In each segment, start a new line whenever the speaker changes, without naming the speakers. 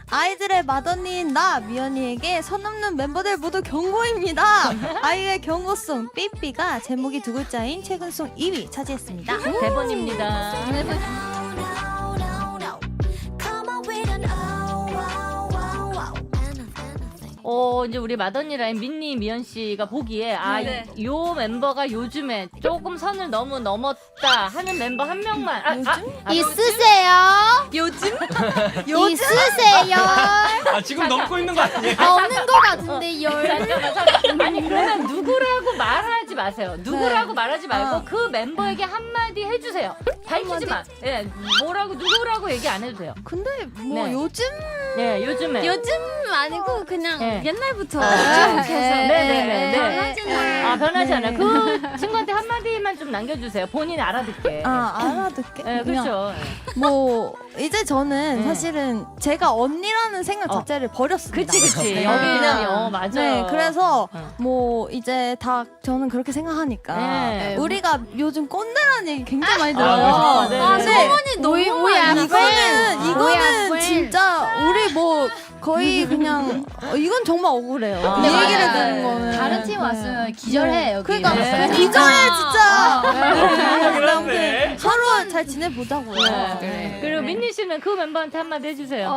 아이들의 맏언니인 나 미연이에게 선 넘는 멤버들 모두 경고입니다. 아이의 경고송 삐삐가 제목이 두 글자인 최근송 2위 차지했습니다.
대본입니다. 이제 우리 맏언니 라인 민니 미연 씨가 보기에 요 멤버가 요즘에 조금 선을 너무 넘었다 하는 멤버 한 명만
있으세요?
요즘?
있으세요?
지금 넘고 있는 거 아니에요?
없는 것 같은데요.
아니 그러면 누구라고 말하지 마세요. 누구라고 말하지 말고 그 멤버에게 한마디 해주세요. 밝히지 마. 예, 뭐라고 누구라고 얘기 안 해도 돼요.
근데 뭐
네.
요즘?
예, 요즘에
요즘 아니고 그냥
네.
옛날부터
네네네. 변하지 않아요.
네.
그 친구한테 한마디만 좀 남겨주세요. 본인이 알아듣게.
알아듣게.
네,
그냥
그렇죠.
뭐 이제 저는
네.
사실은 제가 언니라는 생각 자체를 버렸습니다.
그치.
네.
여기는 맞아.
네, 그래서
어.
뭐 이제 다 저는 그렇게 생각하니까
네.
우리가 요즘 꼰대라는 얘기 굉장히 많이
그렇죠.
들어요.
네.
소문이
이거는 진짜 우리 뭐 거의 그냥 이건 정말 억울해요. 이
네,
얘기를
맞아요.
듣는 거는
다른 팀 왔으면 기절해 여기.
그러니까
네.
기절해 진짜.
그러긴 한데.
서로 잘 지내보자고요.
네. 그리고 민니 씨는 그 멤버한테 한마디 해주세요.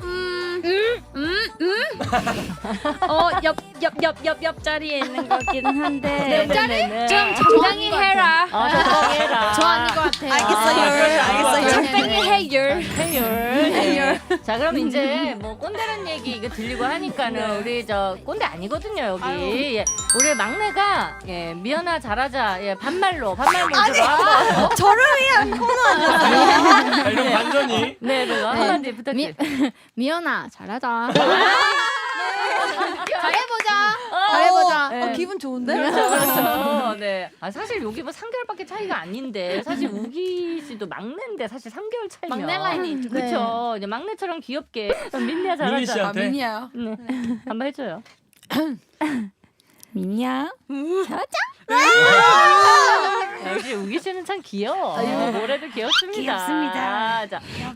옆자리에 있는 거긴 한데
네네네.
좀 적당히 해라.
적당히 해라.
저 아닌 것 같아요.
알겠어요.
적당히 해요.
해열. 자, 그럼 이제 뭐 꼰대란 얘기 이거 들리고 하니까는 우리 저 꼰대 아니거든요 여기. 예. 우리 막내가 미연아 잘하자 반말 모드로 한번.
저를 위한 코너 아니었어요?
이런 반전이.
네, 한마디 부탁드려요.
미연아 잘하자. 잘해보자.
네.
기분 좋은데?
그렇죠. 네. 사실 여기 뭐 3개월밖에 차이가 아닌데 사실 우기 씨도 막내인데 사실 3개월 차이면
막내 라인이 있죠.
그렇죠. 이제 막내처럼 귀엽게 민니야 잘하자.
민니 씨한테.
미니야.
네. 한번 해줘요.
미니야.
역시 우기 씨는 참 귀여워. 뭐래도 귀엽습니다.
귀엽습니다.
자,